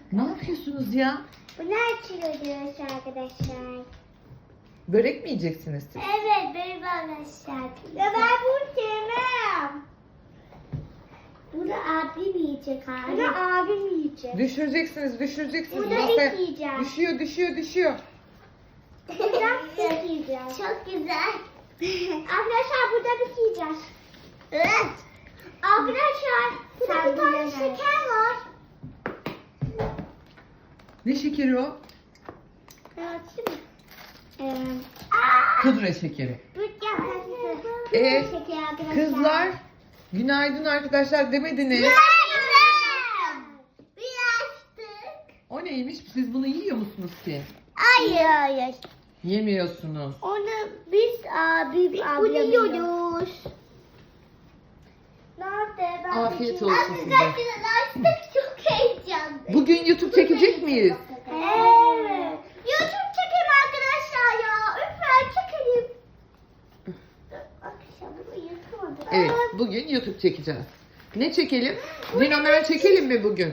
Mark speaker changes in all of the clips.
Speaker 1: Ne yapıyorsunuz ya?
Speaker 2: Bunu açıyoruz arkadaşlar.
Speaker 1: Börek mi yiyeceksiniz siz?
Speaker 2: Evet benim arkadaşlar. Ya ben bunu sevmem. Bunu abim yiyecek abi. Bunu abim yiyecek.
Speaker 1: Düşüreceksiniz.
Speaker 2: Burada
Speaker 1: Masaya-
Speaker 2: biz yiyeceğiz.
Speaker 1: Düşüyor.
Speaker 2: Burada biz yiyeceğiz. Çok güzel. Arkadaşlar burada biz yiyeceğiz. Evet. Arkadaşlar burada bir tane şeker var.
Speaker 1: Ne şekeri o? Pudra şekeri. Kızlar, günaydın arkadaşlar demediniz. O neymiş? Siz bunu yiyor musunuz ki?
Speaker 2: Hayır.
Speaker 1: Yemiyorsunuz.
Speaker 2: Onu biz bunu yiyoruz. Nerede? Ben
Speaker 1: Afiyet olsun size.
Speaker 2: Artık çok heyecanlı.
Speaker 1: Bugün YouTube çekecek miyiz?
Speaker 2: Evet. YouTube çekelim arkadaşlar ya. Lütfen çekelim. Akşam uyutamadım.
Speaker 1: Evet, bugün YouTube çekeceğiz. Ne çekelim? Dinomen çekelim mi bugün?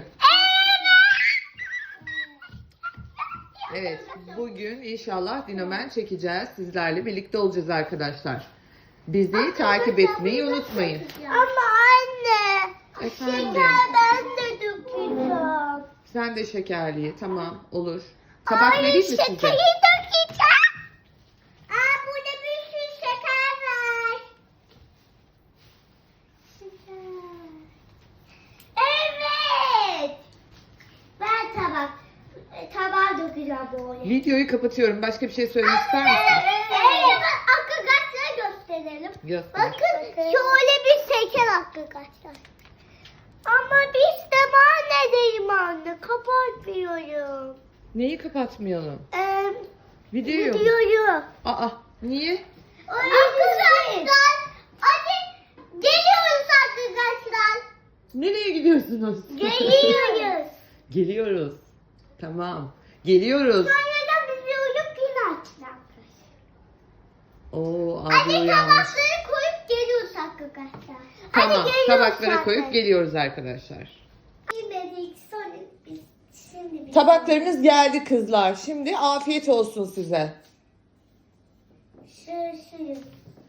Speaker 1: Evet, bugün inşallah Dinomen çekeceğiz. Sizlerle birlikte olacağız arkadaşlar. Bizi takip etmeyi unutmayın.
Speaker 2: Ama anne.
Speaker 1: Efendim,
Speaker 2: Şekerden de dökeceğim.
Speaker 1: sen de şekerliye. Tamam, olur. Tabak vereyim mi size?
Speaker 2: Şekeri dökeceğim. Burada bir sürü şeker var. Evet. Ben tabağa dökeceğim böyle.
Speaker 1: Videoyu kapatıyorum. Başka bir şey söylemek ister misin?
Speaker 2: Evet. Arkadaşlara gösterelim.
Speaker 1: Göster.
Speaker 2: Bakın şöyle bir şeker arkadaşlar. Ama biz de ben ne diyeyim anne? Kapatmıyorum.
Speaker 1: Neyi kapatmayalım? Videoyu.
Speaker 2: Videoyu.
Speaker 1: Aa, niye?
Speaker 2: Arkadaşlar hadi geliyoruz arkadaşlar.
Speaker 1: Nereye gidiyorsunuz?
Speaker 2: Geliyoruz.
Speaker 1: Geliyoruz. Tamam. Geliyoruz.
Speaker 2: Sonra da bizi uyup yine açacak.
Speaker 1: Oo, abi
Speaker 2: Hadi
Speaker 1: uyanmış.
Speaker 2: tabakları koyup geliyoruz arkadaşlar.
Speaker 1: Tamam,
Speaker 2: geliyoruz
Speaker 1: tabaklara
Speaker 2: zaten.
Speaker 1: koyup geliyoruz arkadaşlar.
Speaker 2: Yemedik sonra biz şimdi
Speaker 1: Tabaklarınız geldi kızlar. Şimdi afiyet olsun size.
Speaker 2: Şöyle.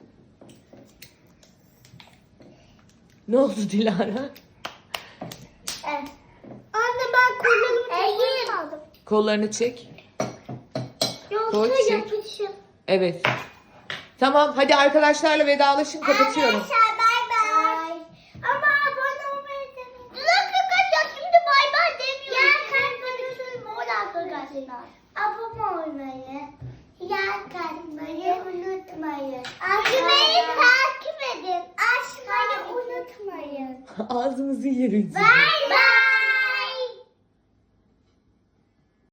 Speaker 1: Ne oldu Dilara?
Speaker 2: Evet. Anne ben kollarımı aldım.
Speaker 1: Kollarını çek.
Speaker 2: Yoksa
Speaker 1: Koy, çek.
Speaker 2: yapışır.
Speaker 1: Evet. Tamam, hadi arkadaşlarla vedalaşın, kapatıyorum.
Speaker 2: Arkadaşlar bay bay. Ama abone olmayı demeyin. Dur arkadaşlar şimdi bay bay demiyorum. Ya kalbimi mor arkadaşlar. Abone olmayı, kalbimi unutmayın. Beni takip edin. Açmayı unutmayın.
Speaker 1: Ağzımızı yeriz.
Speaker 2: Bay bay.